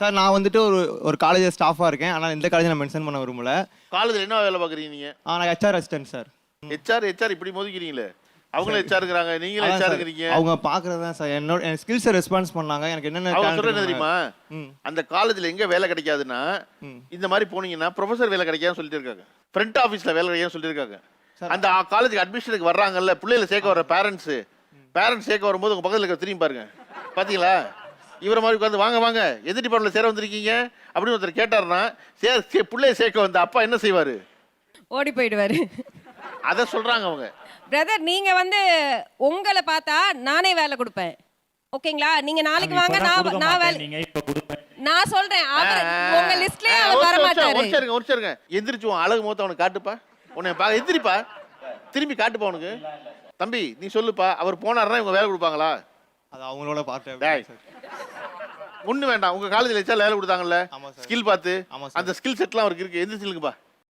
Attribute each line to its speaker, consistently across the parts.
Speaker 1: Sir நான் வந்துட்டு ஒரு காலேஜ் ஸ்டாஃபாக இருக்கேன். ஆனால் இந்த காலேஜ் நான் மென்ஷன் பண்ண விரும்பல.
Speaker 2: காலேஜில் என்ன வேலை பார்க்குறீங்க நீங்கள்?
Speaker 1: நான் ஹெச்ஆர் அசிஸ்டன்ட் சார்.
Speaker 2: ஹெச்ஆர் இப்படி மோதிக்கிறீங்களே. அவங்களும் ஹெச்ஆர் இருக்கிறாங்க, நீங்களும் ஹெச்ஆர் இருக்கிறீங்க.
Speaker 1: அவங்க பார்க்குறது தான் சார் என் ஸ்கில்ஸை ரெஸ்பான்ஸ் பண்ணாங்க. எனக்கு என்னென்ன
Speaker 2: அவங்க சொல்கிறது தெரியுமா? அந்த காலேஜில் எங்கே வேலை கிடைக்காதுன்னா இந்த மாதிரி போனீங்கன்னா ப்ரொஃபஸர் வேலை கிடைக்காதுன்னு சொல்லிட்டு இருக்காங்க. ஃப்ரண்ட் ஆஃபீஸில் வேலை கிடைக்காதுன்னு சொல்லியிருக்காங்க. அந்த காலேஜுக்கு அட்மிஷனுக்கு வர்றாங்கல்ல, பிள்ளைகளை சேர்க்க வர பேரண்ட்ஸ் சேர்க்க வரும்போது உங்கள் பக்கத்தில் இருக்க திரும்பி பாருங்க. பார்த்தீங்களா? இவரை மாதிரி உட்காந்து வாங்க வாங்க எது டிபார்ட்மெண்ட்டில் சேர வந்திருக்கீங்க அப்படின்னு ஒருத்தர் கேட்டாருன்னா பிள்ளைய சேர்க்க வந்த அப்பா என்ன செய்வார்?
Speaker 3: ஓடி போயிடுவாரு.
Speaker 2: அதை சொல்கிறாங்க அவங்க.
Speaker 3: பிரதர், நீங்க வந்து உங்களை பார்த்தா நானே வேலை கொடுப்பேன். ஓகேங்களா? நீங்க நாளைக்கு வாங்க, நான் வேலை நான் சொல்றேன். உங்க லிஸ்ட்லயே அவர் வர மாட்டாரு.
Speaker 2: ஒரு சேருங்க எந்திரிச்சு உன் அழகு முகத்தை அவனுக்கு காட்டுப்பா. உன்னை பார்க்க எந்திரிப்பா, திரும்பி காட்டுப்பா அவனுக்கு. தம்பி நீ சொல்லுப்பா, அவர் போனாருன்னா இவங்க வேலை கொடுப்பாங்களா?
Speaker 1: அது அவங்களோட பார்த்து
Speaker 2: ஒண்ணு வேண்டாம். உங்க காலேஜில் வச்சா வேலை கொடுத்தாங்கல்ல, ஸ்கில் பார்த்து அந்த ஸ்கில் செட்லாம் அவருக்கு இருக்கு. எந்திரிச்சுலுங்கப்பா.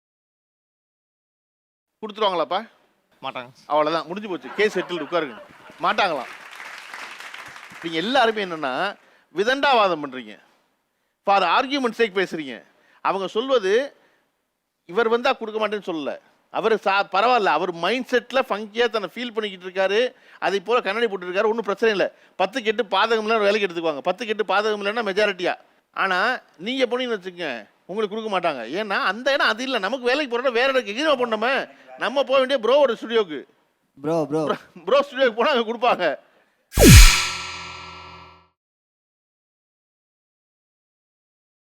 Speaker 2: கொடுத்துருவாங்களாப்பா?
Speaker 1: மாட்டாங்க.
Speaker 2: அவ்வளோதான், முடிஞ்சு போச்சு. கேஸ் செட்டில் உட்காருங்க. மாட்டாங்களாம். நீங்கள் எல்லாருமே என்னென்னா விதண்டாவாதம் பண்ணுறீங்க, ஃபார் ஆர்கியூமெண்ட் சேக் பேசுகிறீங்க. அவங்க சொல்வது இவர் வந்தால் கொடுக்க மாட்டேன்னு சொல்லலை. அவர் பரவாயில்ல, அவர் மைண்ட் செட்டில் ஃபங்கியாக தன்னை ஃபீல் பண்ணிக்கிட்டு இருக்காரு. அதை போல் கண்ணாடி போட்டுருக்காரு, ஒன்றும் பிரச்சனை இல்லை. 10 கெட்டு பாதகம் இல்லைன்னு வேலைக்கு எடுத்துக்குவாங்க. 10 கெட்டு பாதகம் இல்லைன்னா மெஜாரிட்டியாக. ஆனால் நீங்கள் போனீங்கன்னு வச்சுக்கோங்க, உங்களுக்கு கொடுக்க மாட்டாங்க. ஏன்னா அந்த இடம் அது இல்லை. நமக்கு வேலைக்கு போகிறோம் வேற இடத்துக்கு எங்கேயும் போனோமே. நம்ம போக வேண்டிய ப்ரோவோட ஸ்டுடியோக்கு. ப்ரோ ஸ்டுடியோக்கு போனால் அங்கே கொடுப்பாங்க.